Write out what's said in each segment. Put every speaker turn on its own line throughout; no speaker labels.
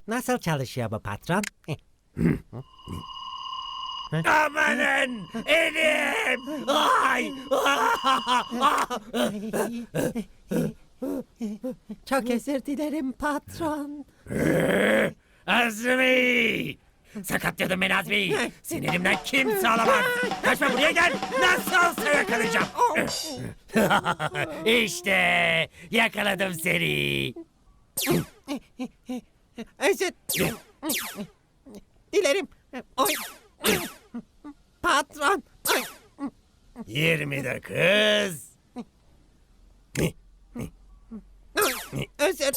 Nasıl çalışıyor bu patron?
Amanın elim! Ay!
Çok özür dilerim patron.
Azmi! Sakatladım beni Azmi. Senin elimden kimse alamaz. Kaçma buraya gel. Nasıl olsa yakalayacağım. İşte yakaladım seni.
Özür dilerim. Oy. Patron. Oy.
29.
Özür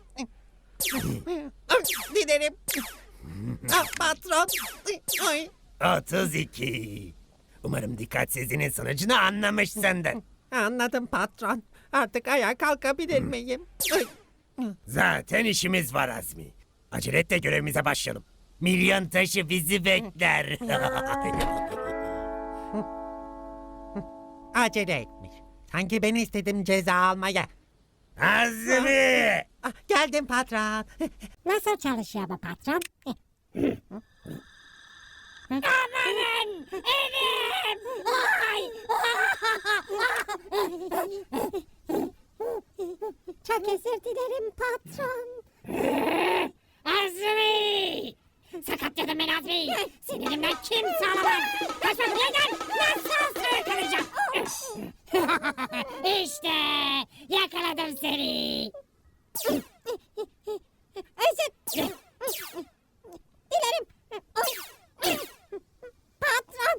dilerim. Patron. Oy.
32. Umarım dikkatsizliğinin sonucunu anlamışsındır.
Anladım patron. Artık ayağa kalkabilir miyim? Oy.
Zaten işimiz var Azmi. Acele et de görevimize başlayalım. Milyon taşı bizi bekler.
Acele etmiş. Sanki ben istedim ceza almaya.
Azmi!
Geldim patron.
Nasıl çalışıyor bu patron? Amanın elim! Ay! Çok özür dilerim patron. Azmi! Sakatladım ben Azmi. Senin elimden kimse alamaz. Kaçma buraya gel. Nasıl olsa yakalayacağım. İşte yakaladım seni. Özür dilerim. Patron.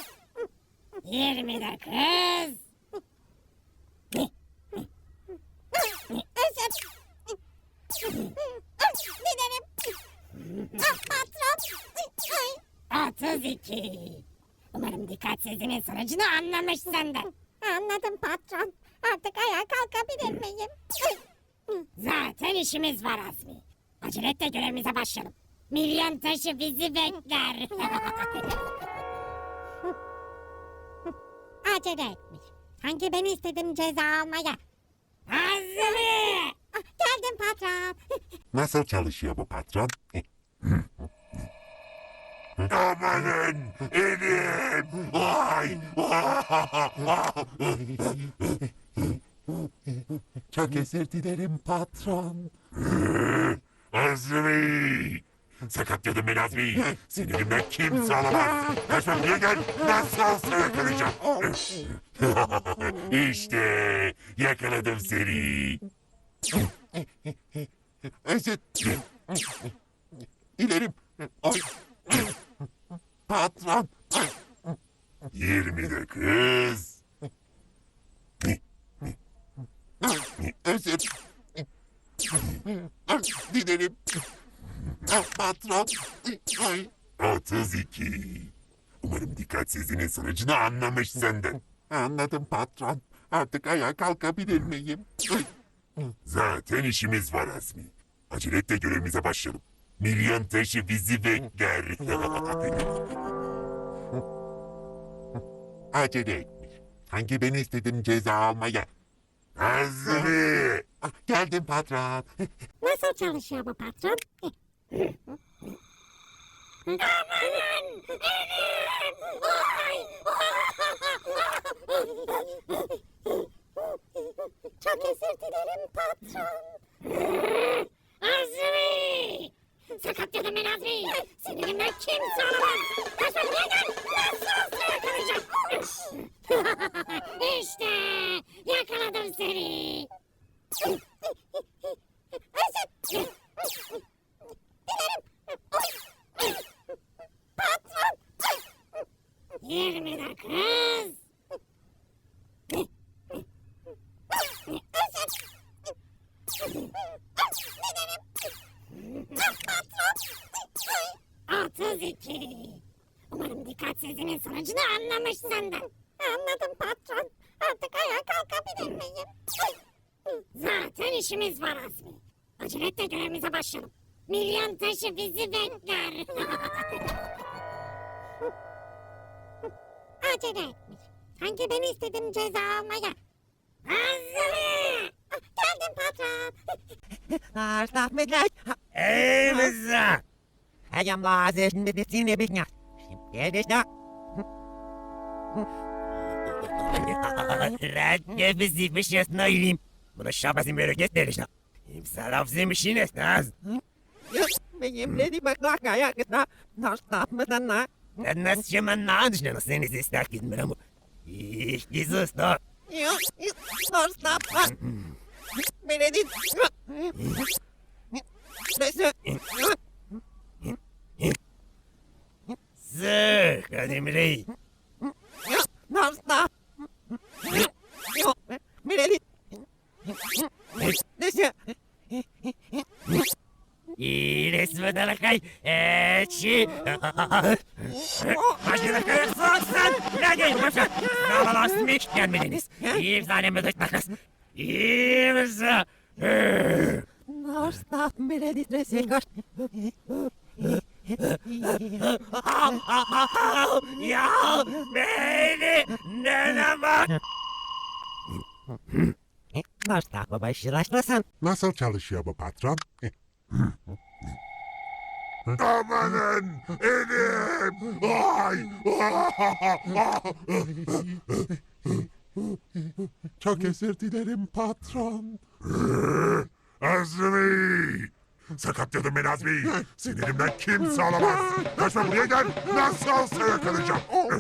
29. Özür dilerim. Patron. 32. Umarım dikkatsizliğinin sonucunu anlamışsındır. Anladım patron. Artık ayağa kalkabilir miyim? Zaten işimiz var Azmi. Acele et de görevimize başlayalım. Milyon taşı bizi bekler. Acele etmiş. Sanki ben istedim ceza almaya. Azmi! Geldim patron.
Nasıl çalışıyor bu patron? Amanın elim! Ay! Çok özür dilerim patron. Azmi! Sakatladım beni Azmi. Senin elimden kimse alamaz. Kaçma buraya gel. Nasıl olsa yakalayacağım. İşte yakaladım seni. Özür dilerim. Ay. Patron. 29. Özür dilerim. Patron. Ay. 32. Umarım dikkatsizliğinin sonucunu anlamışsındır. Anladım patron. Artık ayağa kalkabilir miyim? Zaten işimiz var Azmi. Acele et de görevimize başlayalım. Milyon taşı bizi bekler. Acele etmiş. Sanki ben istedim ceza almaya. Azmi! Geldim patron.
Nasıl çalışıyor bu patron? Amanın elim! Ay! Çok özür dilerim patron. Azmi! Sakatladım ben Azmi. Senin elimden kimse alamaz. Kaçma buraya gel. Nasıl olsa yakalayacağım. İşte yakaladım seni. Özür dilerim. Patron. 29. Özür dilerim. Patron. 32. Umarım dikkatsizliğinin sonucunu anlamışsındır. Anladım patron. Artık ayağa kalkabilir miyim? Zaten işimiz var Azmi. Acele et de görevimize başlayalım. Milyon taşı bizi bekler. Acele etmiş. Sanki ben istedim ceza almaya. Azmi! Geldim patron.
Rahmetler.
İmza.
Ayam lazım bir sine bir ya. Şimdi de
Rad nefesiymiş yasnayım. Bunu şabasın böyle gösteriş. İmza lafzıymış yine naz.
benim dedi bak bak ayak da nasıl mı da
Nasıl şaman nağın seni istek gitmem ama. Jesus da.
Yok, nasıl beni dedi.
Sık Ademrey.
Nasıl? Yok, beni dedi. Neyse.
Resmen alakay. Çi. Başına kadar soğuksan. Ne gelin başa. Nalalasın hiç gelmediniz. İmzaneme dökmekles. İmza.
Nasıl beni dedi.
Ya beni nene bak.
Nasıl başlaşmasın?
Nasıl çalışıyor bu patron? Amanın elim! Ay! Çok özür dilerim patron. Azmi! Sakatlıyordum beni Azmi. Sinirimden kimse alamaz. Kaçma buraya gel. Nasıl olsa yakalayacağım.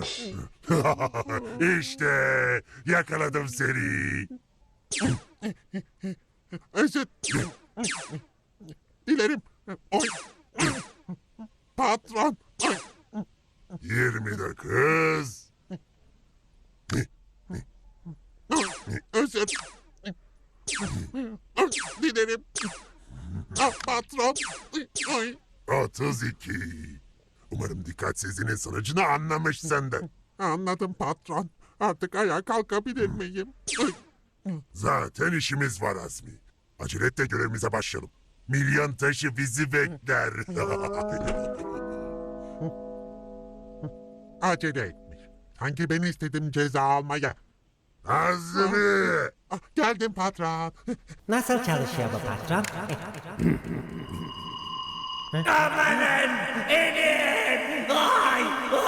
İşte yakaladım seni. Özür dilerim. Oy. Patron. 29. Özür dilerim. Patron. 32. Umarım dikkatsizliğinin sonucunu anlamışsın da. Anladım patron. Artık ayağa kalkabilir miyim? Zaten işimiz var Azmi. Acele et de görevimize başlayalım. Milyon taşı bizi bekler. Acele etmiş. Sanki ben istedim ceza almaya. Azmi! Geldim patron.
Nasıl çalışıyor bu patron?
Amanın elim. Ay.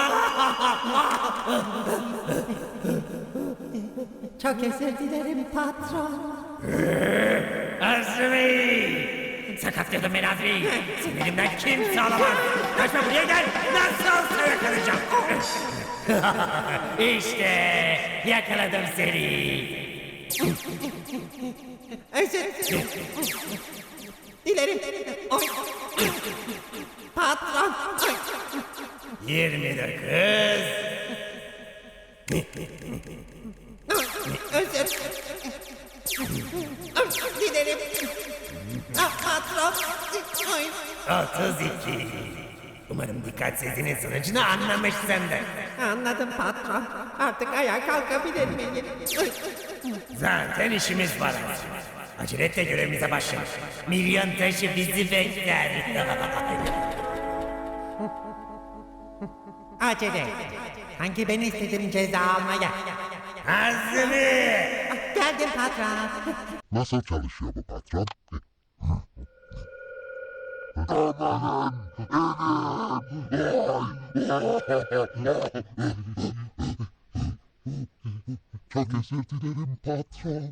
Çok özür dilerim patron.
Azmi. Sakatlıyordum beni Azmi. Sinirimden kimse alamaz. Kaçma buraya gel. Nasıl olsa yakalayacağım. İşte yakaladım seni.
Özür dilerim. Oy. Patron. Oy.
29.
Özür dilerim. Patron. Oy.
32. Umarım dikkatsizliğinin sonucunu anlamışsındır.
Anladım patron. Artık ayağa kalkabilir miyim? Oy.
Zaten işimiz var. Acele et de görevimize başlayalım. Milyon taşı bizi bekler.
Acele et. Sanki ben istedim ceza almaya.
Azmi!
Geldim patron.
Nasıl çalışıyor bu patron? Amanın elim! Çok özür dilerim patron.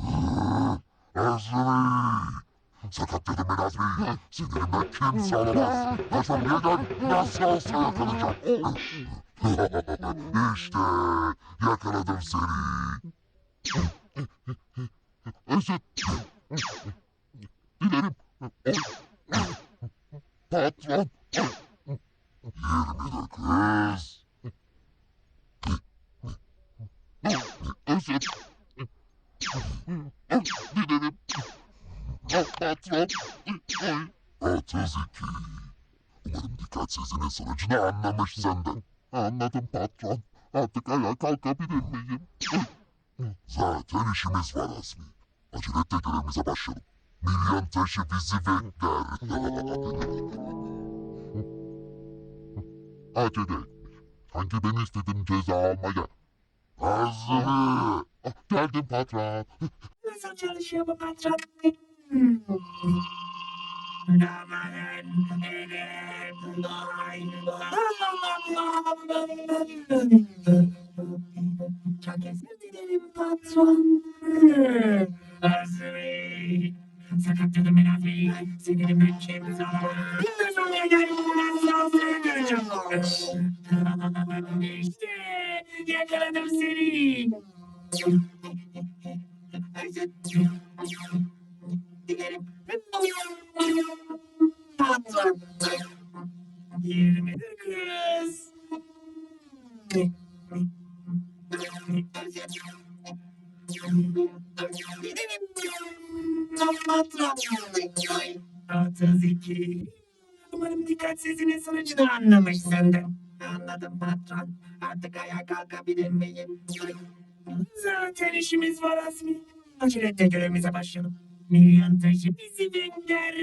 Azmi! Sakatladım ben Azmi. Sinirimden kimse alamaz. Kaçma buraya gel. Nasıl olsa yakalayacağım. İşte yakaladım seni. Özür dilerim. Patron. 29. Özür dilerim. Patron. 32. Umarım dikkatsizliğinin sonucunu anlamışsındır. Anladım patron. Artık ayağa kalkabilir miyim? Zaten işimiz var Azmi. Acele et de görevimize başlayalım. Milyon taşı bizi bekler. Acele etmiş. Sanki ben istedim ceza almaya. Azmi! Geldim patron.
Nasıl çalışıyor bu patron?
Amanın elim. Ay. Çok özür dilerim patron. Azmi. Sakatladım ben Azmi. Sinirimden kimse alamaz. Sonraya gel. Nasıl göreceğim? İşte yakaladım seni. Özür dilerim. Patron. 29. Gidelim. Patron. 32. Umarım dikkatsizliğin sonucunu anlamışsındır. Anladım patron. Artık ayağa kalkabilir miyim? Zaten işimiz var Azmi. Aceletle görevimize başlayalım. Milyon taşı bizi bekler.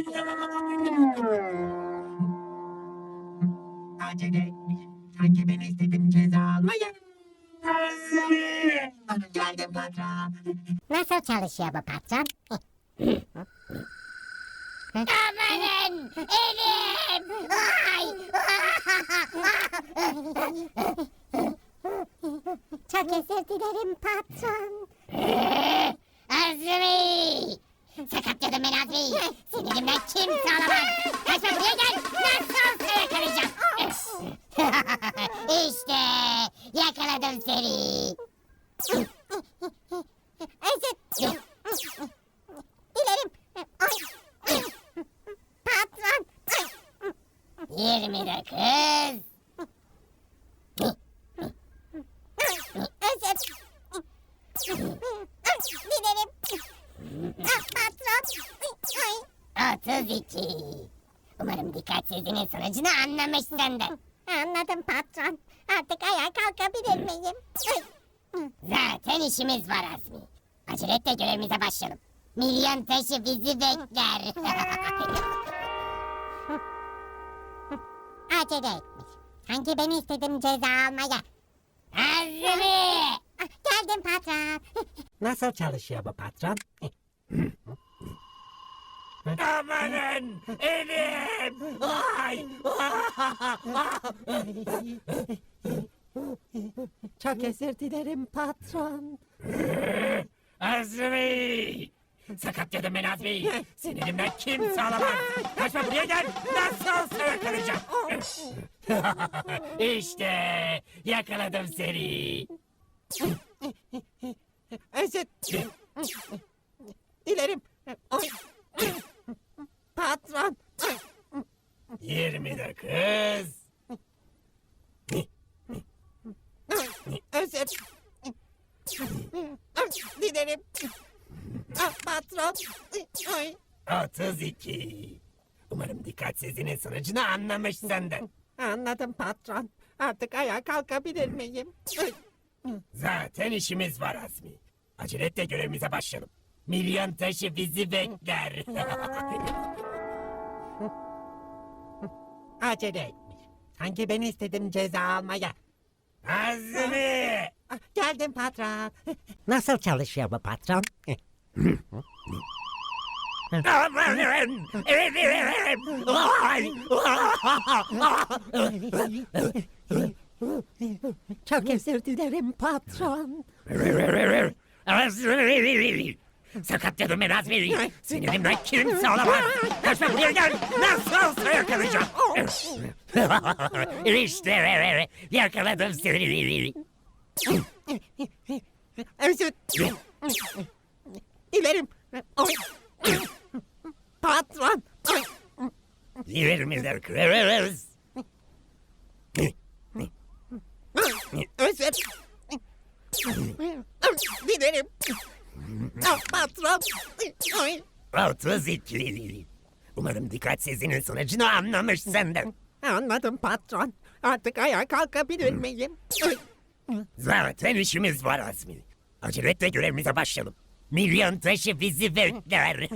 Acele etmiş. Sanki ben istedim ceza almaya. Azmi! Geldim patron.
Nasıl çalışıyor bu patron? Amanın elim! Ay! Çok özür dilerim patron. Azmi! Sakatladım ben Azmi. Sinirimden kimse alamaz. Kaçma buraya gel. Nasıl olsa yakalayacağım. İşte yakaladım seni. Özür dilerim. Patron. 29. Özür dilerim. Patron. 32. Umarım dikkatsizliğin sonucunu anlamışsındır. Anladım patron. Artık ayağa kalkabilir miyim? Zaten işimiz var Azmi. Aceletle görevimize başlayalım. Milyon taşı bizi bekler. Acele etmiş. Sanki ben istedim ceza almaya. Azmi! Geldim patron.
Nasıl çalışıyor bu patron?
Amanın elim. Ay.
Çok özür dilerim patron.
Azmi! Sakatladım ben Azmi. Sinirimden kimse alamaz. Kaçma buraya gel. Nasıl olsa yakalayacağım. İşte yakaladım seni.
Özür dilerim. Oy. Patron.
29.
Özür dilerim. Patron. Oy.
32. Umarım dikkatsizliğin sonucunu anlamışsındır.
Anladım patron. Artık ayağa kalkabilir miyim? Oy.
Zaten işimiz var Azmi. Aceletle görevimize başlayalım. Milyon taşı bizi bekler.
Acele etmiş. Sanki ben istedim ceza almaya.
Azmi!
Geldim patron. Nasıl çalışıyor bu patron?
Amanın elim! Ay!
Çok özür dilerim patron.
Azmi! Sakatladım ben Azmi. Sinirimden kimse alamaz. Kaçma buraya gel. Nasıl olsa yakalayacağım. İşte yakaladım seni.
Özür dilerim. Oy. Patron. Oy.
29.
Özür dilerim. Patron. Oy.
32. Umarım dikkatsizliğin sonucunu anlamışsındır.
Anladım patron. Artık ayağa kalkabilir miyim? Oy.
Zaten işimiz var Azmi. Aceletle görevimize başlayalım. Milyon taşı bizi bekler.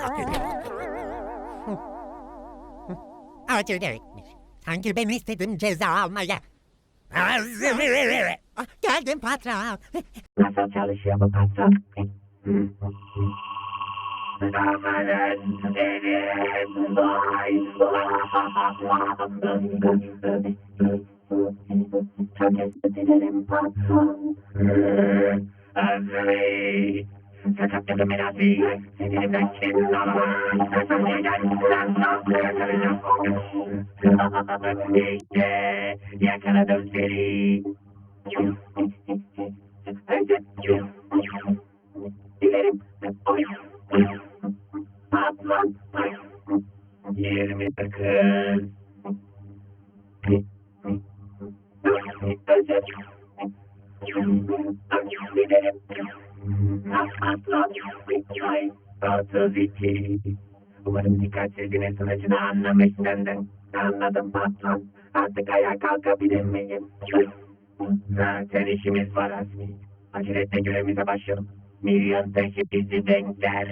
Acele etmiş. Sanki ben istedim ceza almaya.
Azmi!
Geldim patron.
Nasıl çalışıyor bu patron? Amanın elim. Ay. Çok özür dilerim patron. Azmi. Sakatladım Azmi. Sinirimden kim alamaz. İşte yakaladım seni. Dilerim. Patron. 29. Özür. Dilerim. Patron. 32. Umarım dikkatsizliğin sonucunu anlamışsındır. Anladım patron. Artık ayağa kalkabilir miyim? Zaten işimiz var Azmi. Aceletle görevimize başlayalım. Milyon taşı bizi bekler.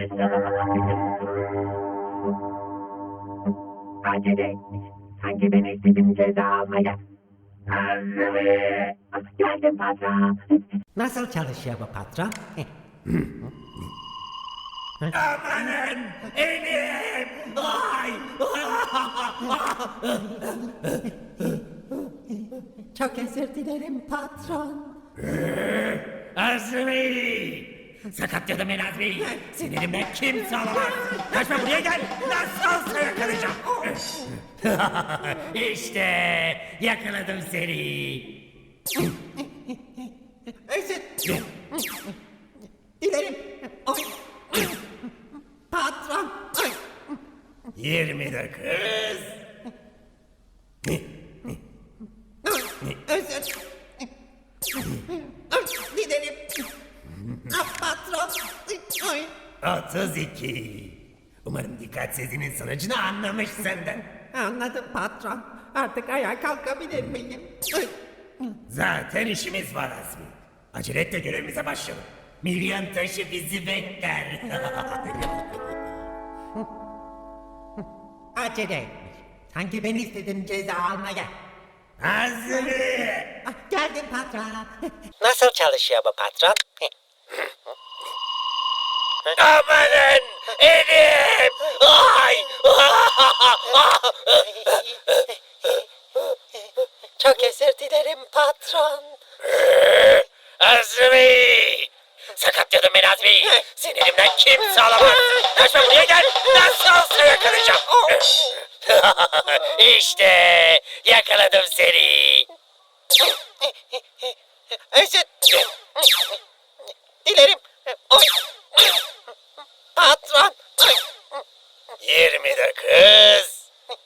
Acele etmiş. Sanki ben istedim ceza almaya. Azmi. Geldim patron.
Nasıl çalışıyor bu patron?
Amanın elim. Ay.
Çok özür dilerim patron.
Azmi. Sakatladım ben Azmi. Sinirimden kimse alamaz. Kaçma buraya gel. Nasılsa yakalayacağım. İşte yakaladım seni.
Özür dilerim. Oy. Patron. Oy.
29.
Özür dilerim. Patron. Oy.
32. Umarım dikkatsizliğinin sonucunu anlamışsındır.
Anladım patron. Artık ayağa kalkabilir miyim? Oy.
Zaten işimiz var Azmi. Acele et de görevimize başlayalım. Milyon taşı bizi bekler.
Acele etmiş. Sanki ben istedim ceza almaya.
Azmi!
Geldim patron. Nasıl çalışıyor bu patron?
Amanın elim! Ay!
Çok özür dilerim patron.
Azmi! Sakatladım ben Azmi. Sinirimden kimse alamaz. Kaçma buraya gel. Nasılsa yakalayacağım. İşte yakaladım seni.
Özür dilerim. Oy. Patron. Oy.
29.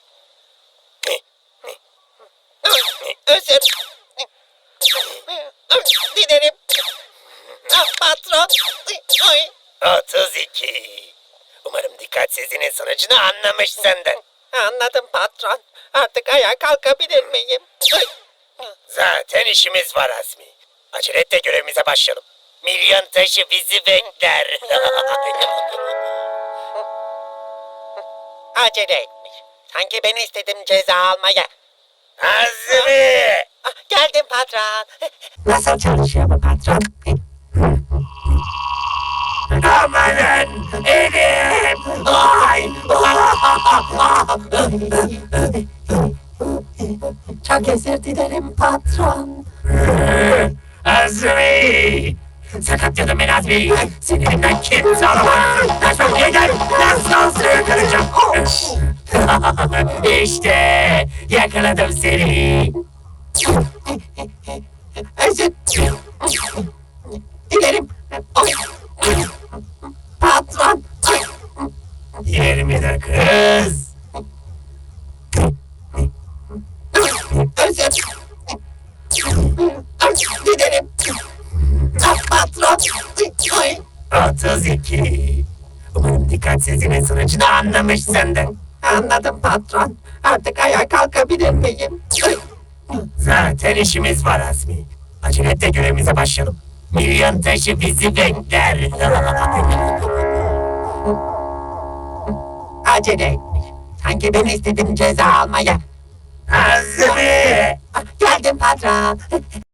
Özür dilerim. Patron. Oy.
32. Umarım dikkatsizliğinin sonucunu anlamışsındır.
Anladım patron. Artık ayağa kalkabilir miyim? Oy.
Zaten işimiz var Azmi. Acele et de görevimize başlayalım. Milyon taşı bizi bekler.
Acele etmiş. Sanki ben istedim ceza almaya.
Azmi!
Geldim patron.
Nasıl çalışıyor bu patron? Amanın elim! Ay!
Çok özür dilerim patron.
Azmi! Sakatladım ben Azmi. Sinirimden kimse alamaz. Kaçma buraya gel. Nasıl yakalayacağım? İşte yakaladım seni.
Özür dilerim. Oy. Patron. Oy.
29.
Özür dilerim. Patron. Oy.
32. Umarım dikkatsizliğinin sonucunu anlamışsındır.
Anladım patron. Artık ayağa kalkabilir miyim? Oy.
Zaten işimiz var Azmi. Acele et de görevimize başlayalım. Milyon taşı bizi bekler.
Acele etmiş. Sanki ben istedim ceza almaya.
Azmi!
Geldim patron.